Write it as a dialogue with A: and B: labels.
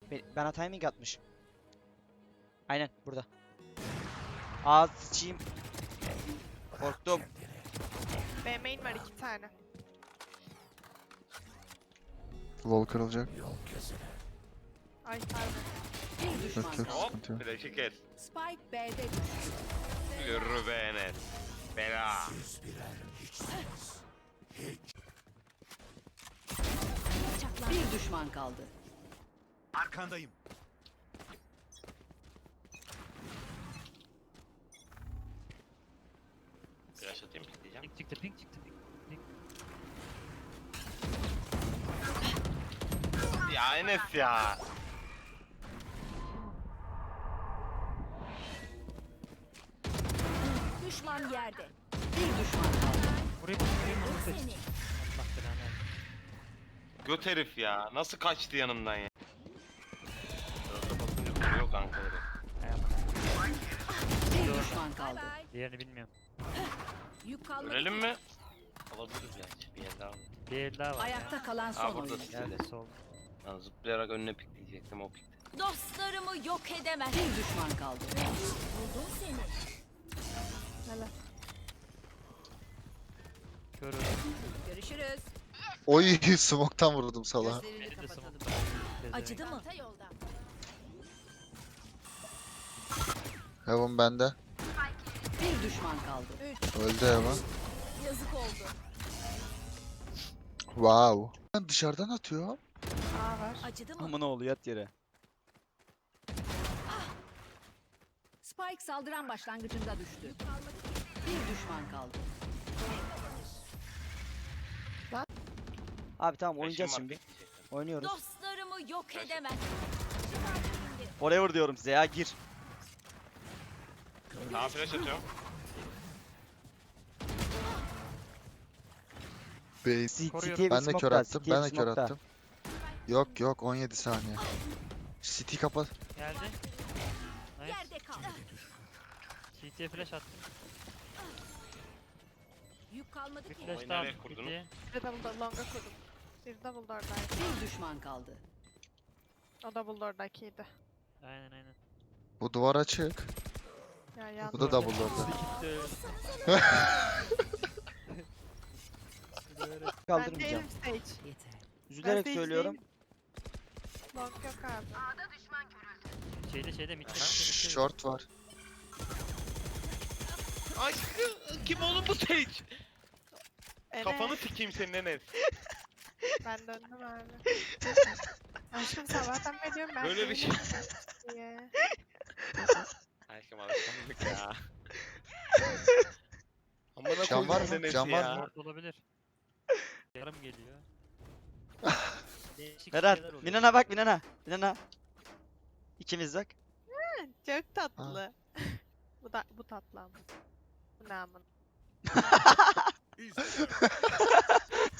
A: Bana timing atmış. Aynen burada. Ağız sıçayım. Korktum.
B: B main var 2 tane.
C: Wall kırılacak.
B: Ay pardon.
D: Bir düşman
C: Yok yok
D: kaldı.
C: sıkıntı yok.
E: Flash'ı kes.
D: Spike B'de düştü.
E: Yürü be Enes. Bela.
D: Bir düşman kaldı.
F: Arkandayım.
E: Flash atayım diyeceğim.
G: Pink çıktı, pink çıktı. Pink.
E: Ya Enes ya.
D: Düşman yerde. Bir düşman kaldı.
G: Burayı vurayım onu seç. Allah belanı versin.
E: Göt herif ya. Nasıl kaçtı yanımdan ya. Orada basınca vuruyor kankaları.
D: Bir düşman kaldı.
G: Diğerini bilmiyorum.
D: Yük kalmadı.
E: Görelim mi? Alabiliriz yani. Bir yer daha var.
G: Bir el daha var
D: Ayakta
G: ya.
D: kalan
E: Aa,
D: son
E: burada
D: oyuncu.
G: Geldi sol.
E: Ben zıplayarak önüne pikleyecektim o pikti.
D: Dostlarımı yok edemez. Bir düşman kaldı. Buldum seni.
B: Helal.
G: Körü.
D: Görüşürüz.
C: Oy smoke'tan vurdum salağa.
D: Gözlerini
G: Beni de
D: kapatalım.
G: smoke'tan.
D: Acıdı mı?
C: Heaven bende.
D: Bir düşman kaldı.
C: Öldü Heaven.
D: Yazık oldu.
C: Wow. Ben dışarıdan atıyor.
B: A var.
D: Acıdı mı?
A: Ama ne oluyor, yat yere.
D: Spike saldıran başlangıcında düştü. Bir düşman kaldı.
A: Abi tamam, oynayacağız
E: Flash'ım var,
A: şimdi.
E: pikleyecektim.
A: Oynuyoruz.
D: Dostlarımı yok
E: Kaç-
D: edemez.
A: Forever diyorum size ya, gir.
E: Tamam flash atıyorum.
C: Base.
G: Koruyorum.
A: City'ye bir
C: Ben de
A: smoke
C: kör
A: daha,
C: attım.
A: City'ye
C: Ben
A: bir
C: de kör
A: smoke daha.
C: attım. Yok yok 17 saniye. City kapat.
G: Geldi. Nice.
D: Yerde kal.
G: CT'ye flash attım.
D: Yük kalmadı
G: Bir
D: ki.
G: flash
E: Oyunu
G: daha
E: nereye
G: attım
E: kurdunuz?
G: CT'ye.
B: Bir double longa kurdum. Bir double door'daydı.
D: Bir düşman kaldı.
B: O double door'dakiydi.
G: Aynen aynen.
C: Bu duvar açık.
B: Ya yandı.
C: Bu da double door'da.
B: Ben
A: Kaldırmayacağım.
B: değilim stage.
D: Yeter.
A: Üzülerek
B: stage
A: söylüyorum.
B: değilim. Long yok abi.
G: Şeyde mid.
C: Short var.
E: Aşkım kim oğlum bu Sage?
B: Enes,
E: Kafanı sikeyim senin Enes.
B: ben döndüm abi. Aşkım sabahtan beri diyorum ben
E: Böyle bir şey.
B: değilim diye.
E: Aşkım alışkanlık ya. Amına
C: Cam var
E: koydum
C: mı?
E: Enes
C: Cam var
E: ya.
C: mı?
G: Short olabilir. Yarım geliyor. Değişik
A: Berat,
G: şeyler oluyor.
A: Minan'a bak, Minan'a. Minan'a. İkimiz bak.
B: Çok tatlı. Bu tatlı ama. Bu ne amın.